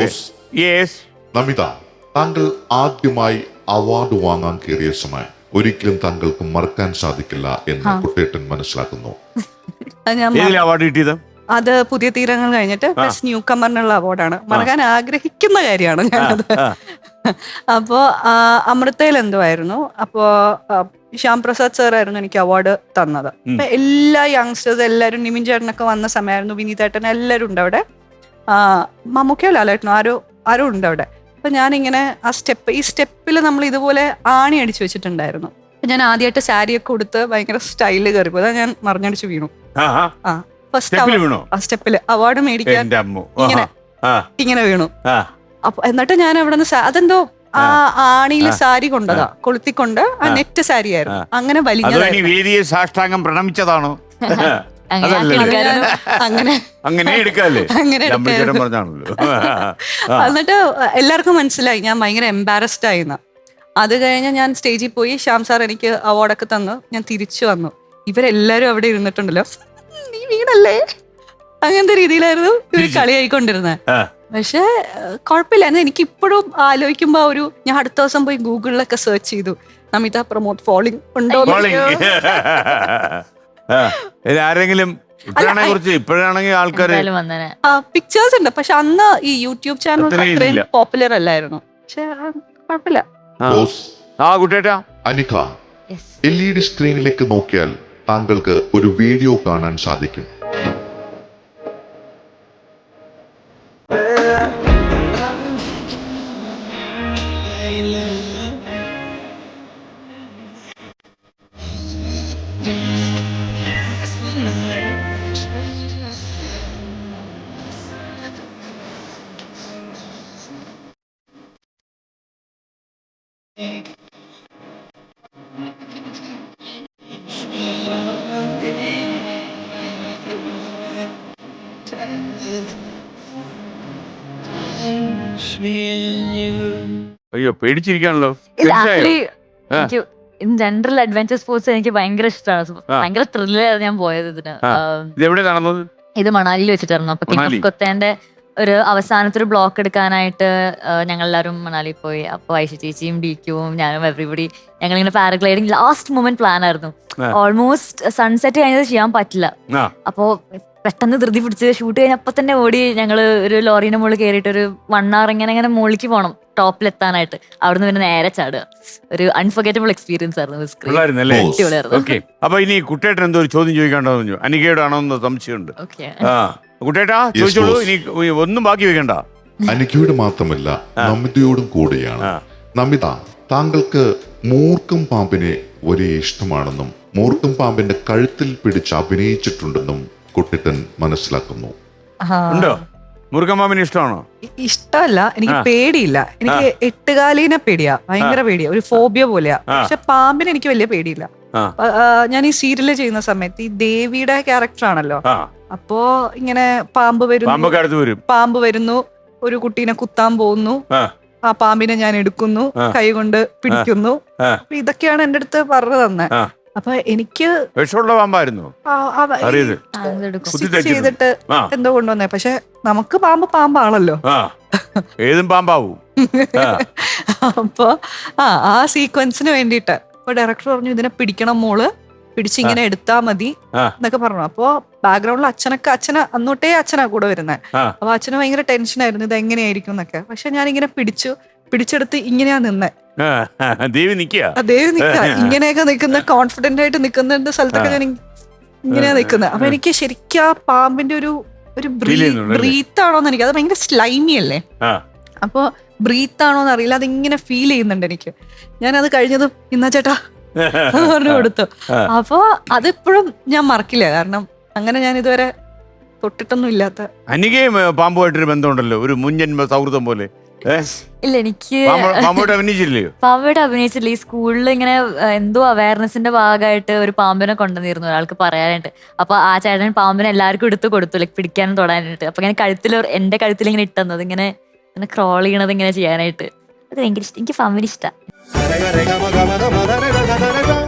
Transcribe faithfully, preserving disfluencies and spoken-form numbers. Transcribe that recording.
Yes Namitha, താങ്കൾ ആദ്യമായി award വാങ്ങാൻ കയറിയ സമയം ഒരിക്കലും താങ്കൾക്ക് മറക്കാൻ സാധിക്കില്ല എന്ന് കുട്ടേട്ടൻ മനസ്സിലാക്കുന്നു. അവാർഡ് കിട്ടിയത് അത് പുതിയ തീരങ്ങൾ കഴിഞ്ഞിട്ട് ബെസ്റ്റ് ന്യൂ കമറിനുള്ള അവാർഡാണ്. മറക്കാൻ ആഗ്രഹിക്കുന്ന കാര്യമാണ് ഞാനത്. അപ്പോ അമൃതയിൽ എന്തുമായിരുന്നു, അപ്പോ ശ്യാം പ്രസാദ് സാർ ആയിരുന്നു എനിക്ക് അവാർഡ് തന്നത്. അപ്പൊ എല്ലാ യങ്സ്റ്റേഴ്സ് എല്ലാവരും, നിമിൻ ചേട്ടനൊക്കെ വന്ന സമയമായിരുന്നു, വിനീതേട്ടൻ എല്ലാവരും ഉണ്ട് അവിടെ. മമ്മൂക്കയോ ലാലേട്ടനോ ആരോ ആരോ ഉണ്ട് അവിടെ. അപ്പൊ ഞാനിങ്ങനെ ആ സ്റ്റെപ്പ് ഈ സ്റ്റെപ്പിൽ നമ്മൾ ഇതുപോലെ ആണി അടിച്ചു വെച്ചിട്ടുണ്ടായിരുന്നു. അപ്പൊ ഞാൻ ആദ്യമായിട്ട് സാരിയൊക്കെ കൊടുത്ത് ഭയങ്കര സ്റ്റൈല് കയറി പോയി. ഞാൻ മറിഞ്ഞടിച്ച് വീണു. ആ ഫസ്റ്റ് സ്റ്റെപ്പില് അവാർഡ് മേടിക്കാൻ ഇങ്ങനെ ഇങ്ങനെ വീണു. അപ്പൊ എന്നിട്ട് ഞാൻ അവിടെ നിന്ന് അതെന്തോ ആ ആണിയില് സാരി കൊണ്ടതാ, കൊളുത്തിക്കൊണ്ട് ആ നെറ്റ് സാരി ആയിരുന്നു. അങ്ങനെ വലിയ സാഷ്ടാംഗം പ്രണമിച്ചതാണോ? അങ്ങനെ അങ്ങനെ എടുക്കാല്ലേ? അങ്ങനെ എന്നിട്ട് എല്ലാവർക്കും മനസ്സിലായി ഞാൻ ഭയങ്കര എംബാരസ്ഡ് ആയിന്ന്. അത് കഴിഞ്ഞ് ഞാൻ സ്റ്റേജിൽ പോയി, ശ്യാം സാർ എനിക്ക് അവാർഡൊക്കെ തന്നു. ഞാൻ തിരിച്ചു വന്നു. ഇവരെല്ലാരും അവിടെ ഇരുന്നിട്ടുണ്ടല്ലോ, നീ വീണല്ലേ, അങ്ങനത്തെ രീതിയിലായിരുന്നു ഇവര് കളിയായിക്കൊണ്ടിരുന്നത്. പക്ഷെ കുഴപ്പമില്ല. എനിക്ക് ഇപ്പോഴും ആലോചിക്കുമ്പോ ഒരു ഞാൻ അടുത്ത ദിവസം പോയി ഗൂഗിളിലൊക്കെ സെർച്ച് ചെയ്തു, നമിത പ്രമോദ് ഫോളിംഗ് ഉണ്ടോ. ആരെങ്കിലും ഇപ്പോഴാണെങ്കിൽ ആൾക്കാർ പിക്ചേഴ്സ് ഉണ്ട്, പക്ഷെ അന്ന് ഈ യൂട്യൂബ് ചാനൽ പോപ്പുലർ അല്ലായിരുന്നു. പക്ഷെ കുഴപ്പമില്ല. അനിക, എൽ ഇ ഡി സ്ക്രീനിലേക്ക് നോക്കിയാൽ താങ്കൾക്ക് ഒരു വീഡിയോ കാണാൻ സാധിക്കും. അയ്യോ, പേടിച്ചിരിക്കാണല്ലോ. ജനറൽ അഡ്വഞ്ചർ സ്പോർട്സ് എനിക്ക് ഭയങ്കര ഇഷ്ടമാണ്. ഭയങ്കര ത്രില്ലായിരുന്നു ഞാൻ പോയത് ഇതിന്. എവിടെ നടന്നത്? ഇത് മണാലിയിൽ വെച്ചിട്ടായിരുന്നു. അപ്പൊ കിങ് ഓഫ് കൊത്തേന്റെ ഒരു അവസാനത്തെ ഒരു ബ്ലോക്ക് എടുക്കാനായിട്ട് ഞങ്ങൾ എല്ലാവരും മണാലിയിൽ പോയി. അപ്പൊ ഐഷ ചേച്ചിയും ഡി ക്യൂവും ഞാനും എവറിബഡി ഞങ്ങളിങ്ങനെ പാരഗ്ലൈഡിങ് ലാസ്റ്റ് മൊമെന്റ് പ്ലാൻ ആയിരുന്നു. ഓൾമോസ്റ്റ് സൺസെറ്റ് കഴിഞ്ഞത് ചെയ്യാൻ പറ്റില്ല. അപ്പോ പെട്ടെന്ന് ധൃതി പിടിച്ച് ഷൂട്ട് കഴിഞ്ഞപ്പോ തന്നെ ഓടി ഞങ്ങള് ഒരു ലോറീന്റെ മുകളിൽ കയറിയിട്ട് ഒരു വൺ അവർ ഇങ്ങനെ ഇങ്ങനെ മുകളിലേക്ക് പോകണം ടോപ്പിലെത്താനായിട്ട്. അവിടുന്ന് പിന്നെ നേരെ ചാടുക. ഒരു അൺഫർഗറ്റബിൾ എക്സ്പീരിയൻസ് ആയിരുന്നു. അപ്പൊ ഇനി കുട്ടേട്ടൻ എന്തോ ഒരു ചോദ്യം ചോദിക്കാണ്ടോ? അനികയോടാണോ എന്ന് സംശയമുണ്ട്. കുട്ടേട്ടാ ചോദിച്ചോളൂ, ഇനി ഒന്നും ബാക്കി വെക്കണ്ട. അനികയോട് മാത്രമല്ല നമിതയോടും കൂടിയാണ്. നമിത, താങ്കൾക്ക് മൂർഖം പാമ്പിനെ ഒരേ ഇഷ്ടമാണെന്നും മൂർഖം പാമ്പിന്റെ കഴുത്തിൽ പിടിച്ച് അഭിനയിച്ചിട്ടുണ്ടെന്നും കുട്ടേട്ടൻ മനസ്സിലാക്കുന്നു. ഉണ്ടോ? മൂർഖം പാമ്പിന് ഇഷ്ടമാണോ? ഇഷ്ടമല്ല, എനിക്ക് പേടിയില്ല. എനിക്ക് എട്ടുകാലീനെ പേടിയാ, ഭയങ്കര പേടിയാ, ഒരു ഫോബിയ പോലെയാ. പക്ഷെ പാമ്പിന് എനിക്ക് വലിയ പേടിയില്ല. ഞാൻ ഈ സീരിയല് ചെയ്യുന്ന സമയത്ത് ഈ ദേവിയുടെ ക്യാരക്ടർ ആണല്ലോ. അപ്പോ ഇങ്ങനെ പാമ്പ് വരുന്നു പാമ്പ് വരുന്നു ഒരു കുട്ടീനെ കുത്താൻ പോകുന്നു, ആ പാമ്പിനെ ഞാൻ എടുക്കുന്നു, കൈ കൊണ്ട് പിടിക്കുന്നു. അപ്പൊ ഇതൊക്കെയാണ് എന്റെ അടുത്ത് പറഞ്ഞു തന്നെ. അപ്പൊ എനിക്ക് ചെയ്തിട്ട് എന്തോ കൊണ്ടുവന്നേ. പക്ഷെ നമുക്ക് പാമ്പ് പാമ്പാണല്ലോ, ഏതും പാമ്പാവും. അപ്പൊ ആ ആ സീക്വൻസിന് വേണ്ടിട്ട് അപ്പൊ ഡയറക്ടർ പറഞ്ഞു ഇതിനെ പിടിക്കണം മോള്, പിടിച്ചിങ്ങനെ എടുത്താ മതി എന്നൊക്കെ പറഞ്ഞു. അപ്പൊ ബാക്ക്ഗ്രൗണ്ടിൽ അച്ഛനൊക്കെ അച്ഛന അന്നോട്ടേ അച്ഛനാ കൂടെ വരുന്നത്. അപ്പൊ അച്ഛന് ഭയങ്കര ടെൻഷനായിരുന്നു ഇത് എങ്ങനെയായിരിക്കും എന്നൊക്കെ. പക്ഷെ ഞാനിങ്ങനെ പിടിച്ചു പിടിച്ചെടുത്ത് ഇങ്ങനെയാ നിന്നെ. ദേവി നിക്ക ദേവി നിക്ക ഇങ്ങനെയൊക്കെ നിക്കുന്ന, കോൺഫിഡന്റ് ആയിട്ട് നിക്കുന്ന സ്ഥലത്തൊക്കെ ഞാൻ ഇങ്ങനെയാ നിക്കുന്നത്. അപ്പൊ എനിക്ക് ശരിക്കും ആ പാമ്പിന്റെ ഒരു ഒരു ബ്രീത്ത് ആണോന്ന് എനിക്ക്, അത് ഭയങ്കര സ്ലൈമി അല്ലേ, അപ്പൊ ബ്രീത്ത് ആണോന്ന് അറിയില്ല, അതിങ്ങനെ ഫീൽ ചെയ്യുന്നുണ്ട് എനിക്ക്. ഞാൻ അത് കഴിഞ്ഞതും ഇന്നാ ചേട്ടാ പറഞ്ഞു കൊടുത്തു. അപ്പൊ അതിപ്പോഴും ഞാൻ മറക്കില്ല, കാരണം അങ്ങനെ ഞാൻ ഇതുവരെ തൊട്ടിട്ടൊന്നും ഇല്ലാത്ത. അനികയും പാമ്പുമായിട്ടൊരു ബന്ധമുണ്ടല്ലോ, ഒരു മുൻജന്മ സൗഹൃദം പോലെ. ഇല്ല, എനിക്ക് പാമ്പോട്ട് അഭിനയിച്ചില്ലയോ? പാമ്പോട്ട് അഭിനയിച്ചില്ല. ഈ സ്കൂളിൽ ഇങ്ങനെ എന്തോ അവയർനെസിന്റെ ഭാഗമായിട്ട് ഒരു പാമ്പിനെ കൊണ്ടുവന്നിരുന്നു ഒരാൾക്ക് പറയാനായിട്ട്. അപ്പൊ ആ ചേട്ടൻ പാമ്പിനെ എല്ലാവർക്കും എടുത്ത് കൊടുത്തു, ലൈക്ക് പിടിക്കാനും തൊടാനായിട്ട്. അപ്പൊ ഇങ്ങനെ കഴുത്തിൽ എന്റെ കഴുത്തിൽ ഇങ്ങനെ ഇട്ടുന്നത്, ഇങ്ങനെ ഇങ്ങനെ ക്രോൾ ചെയ്യണത് ഇങ്ങനെ ചെയ്യാനായിട്ട്. അത് ഭയങ്കര ഇഷ്ടം, എനിക്ക് പാമ്പിന് ഇഷ്ടം.